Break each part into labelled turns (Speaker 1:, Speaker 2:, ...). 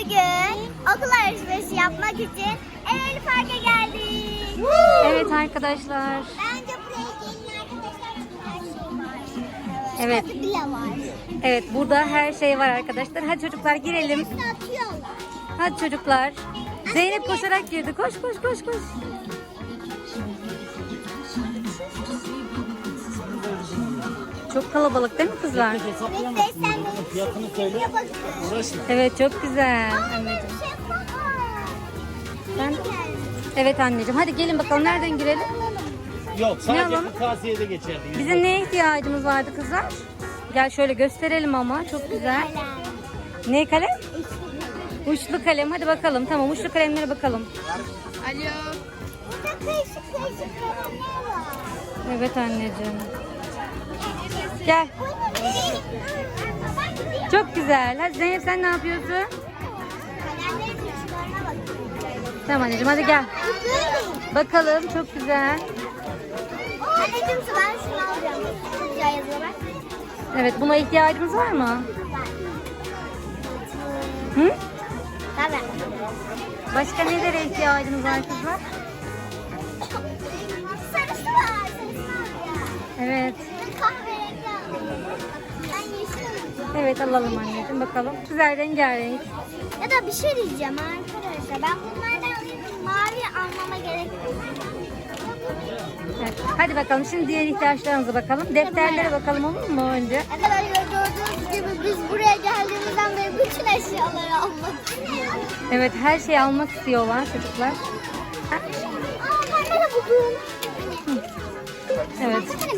Speaker 1: Bugün okul alışverişi yapmak için Ereğli Park'a geldik.
Speaker 2: Evet arkadaşlar.
Speaker 1: Bence buraya gelin arkadaşlar çünkü her şey var.
Speaker 2: Evet.
Speaker 1: Çikolata bile var.
Speaker 2: Evet, burada her şey var arkadaşlar. Hadi çocuklar girelim.
Speaker 1: Hepsini atıyorlar.
Speaker 2: Hadi çocuklar. Zeynep koşarak girdi. Koş koş koş koş. Çok kalabalık değil mi kızlar?
Speaker 1: Evet, beslenmeyi
Speaker 3: Fiyatını söyle. Uğraşma.
Speaker 2: Evet, çok güzel anneciğim. Ben... Evet anneciğim. Hadi gelin bakalım. Nereden girelim?
Speaker 3: Yok,
Speaker 2: Ne
Speaker 3: sadece
Speaker 2: alalım?
Speaker 3: bu kasiyede geçerli.
Speaker 2: Bizim neye ihtiyacımız vardı kızlar? Gel şöyle gösterelim ama. Çok güzel. Ne kalem? Uçlu kalem. Hadi bakalım. Tamam, uçlu kalemlere bakalım.
Speaker 1: Burada karışık kalemler var.
Speaker 2: Evet anneciğim. Gel. Çok güzel. Hadi Zeynep, sen ne yapıyorsun?
Speaker 1: Kalemlerin uçlarına bakın.
Speaker 2: Tamam anneciğim, hadi gel. Bakalım, çok güzel.
Speaker 1: Anneciğim ben şunu alacağım. Çok güzel yazıyor bak.
Speaker 2: Evet, buna ihtiyacımız var mı? Hı?
Speaker 1: Tabii.
Speaker 2: Başka nelere ihtiyacımız var kızlar?
Speaker 1: Sarısı var. Sarısını alacağım.
Speaker 2: Evet.
Speaker 1: Ben kahverengi alayım. Ben yeşil alacağım.
Speaker 2: Evet, alalım anneciğim, bakalım. Güzel, rengarenk.
Speaker 1: Ya da bir şey diyeceğim arkadaşlar. Ben bunlardan alayım. Mavi almama gerek yok.
Speaker 2: Evet. Hadi bakalım, şimdi diğer ihtiyaçlarımıza bakalım. Defterlere bakalım, olur mu önce?
Speaker 1: Arkadaşlar gördüğünüz gibi biz buraya geldiğimizden beri bütün eşyaları almak istiyoruz.
Speaker 2: Evet, her şeyi almak istiyorlar çocuklar. Ha?
Speaker 1: Ben de buldum.
Speaker 2: Evet.
Speaker 1: Evet.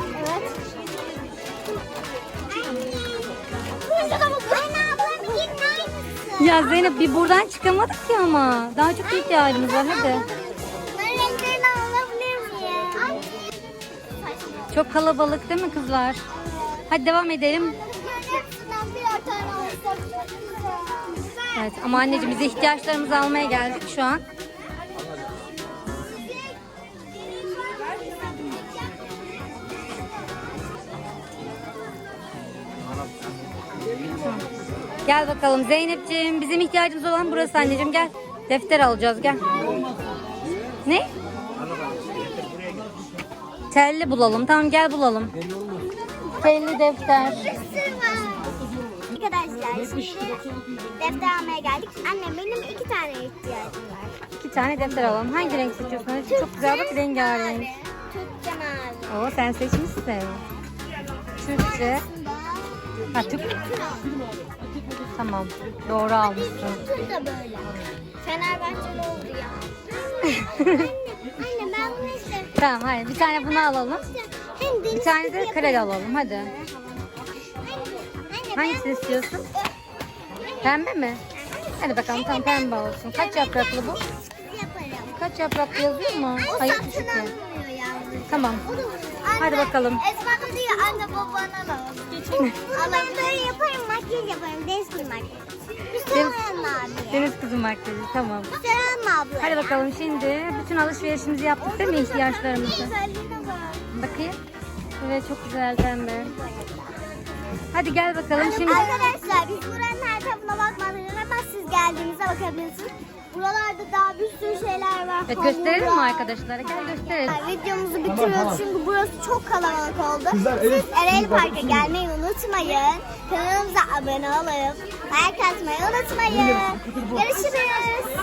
Speaker 1: Burada da buldum. Anne ablam yine aynısı.
Speaker 2: Ya Zeynep, bir buradan çıkamadık ki ama. Daha çok ihtiyacımız var, hadi.
Speaker 1: Ben renklerini alabilir miyim?
Speaker 2: Çok kalabalık değil mi kızlar? Hadi devam edelim.
Speaker 1: Hepsinden birer tane alsak çok güzel.
Speaker 2: Evet, ama anneciğim biz ihtiyaçlarımızı almaya geldik şu an. Gel bakalım Zeynepciğim. Bizim ihtiyacımız olan burası anneciğim, gel. Defter alacağız, gel. Ne? Telli bulalım. Tamam, gel bulalım. Telli defter.
Speaker 1: Bir sürü var. Arkadaşlar şimdi defter almaya geldik. Anne benim 2 tane ihtiyacım var.
Speaker 2: 2 tane defter alalım. Hangi renk seçiyorsun anneciğim? Çok güzel, bak, rengarenk.
Speaker 1: Türkçe mavi.
Speaker 2: Oo, sen seçmişsin. Türkçe. Ha, Türk. Tamam. Doğru almışsın.
Speaker 1: Tür da böyle. Fenerbahçeli oldu ya. Anne ben bunu isterim.
Speaker 2: Tamam, hayır. Bir tane bunu alalım.
Speaker 1: Hem deniz
Speaker 2: Bir tane
Speaker 1: kızı
Speaker 2: de
Speaker 1: yaparım.
Speaker 2: kredi alalım. Hadi.
Speaker 1: Anne,
Speaker 2: Hangisini istiyorsun? Pembe mi? Hadi bakalım, tamam, pembe olsun. Kaç yapraklı bu?
Speaker 1: yaparım.
Speaker 2: Kaç yapraklı yazıyor mu?
Speaker 1: O
Speaker 2: Hayır,
Speaker 1: satın
Speaker 2: küçük mü?
Speaker 1: alınmıyor yalnız.
Speaker 2: Tamam. Hadi bakalım.
Speaker 1: Esma da diyor anne babana da. Ama ben böyle yaparım, makyaj yaparım. Deniz kızı makyajı. Hüseyin abi.
Speaker 2: Deniz kızı makyajı, tamam.
Speaker 1: Hüseyin abla.
Speaker 2: Hadi bakalım, şimdi bütün alışverişimizi yaptık değil mi, ihtiyaçlarımızı?
Speaker 1: Güzelliğine bak.
Speaker 2: Bakayım. Evet, çok güzel pembe. Hadi gel bakalım şimdi.
Speaker 1: Arkadaşlar biz buranın her tarafına bakmadık ama siz geldiğinizde bakabilirsiniz. Buralarda daha bir sürü şeyler var.
Speaker 2: Evet, gösterelim mi
Speaker 1: Hamurlar.
Speaker 2: arkadaşlara? Gel gösterelim.
Speaker 1: Videomuzu bitiriyoruz çünkü burası çok kalabalık oldu. Siz Ereğli Park'a gelmeyi unutmayın. Kanalımıza abone olup like atmayı unutmayın. Görüşürüz.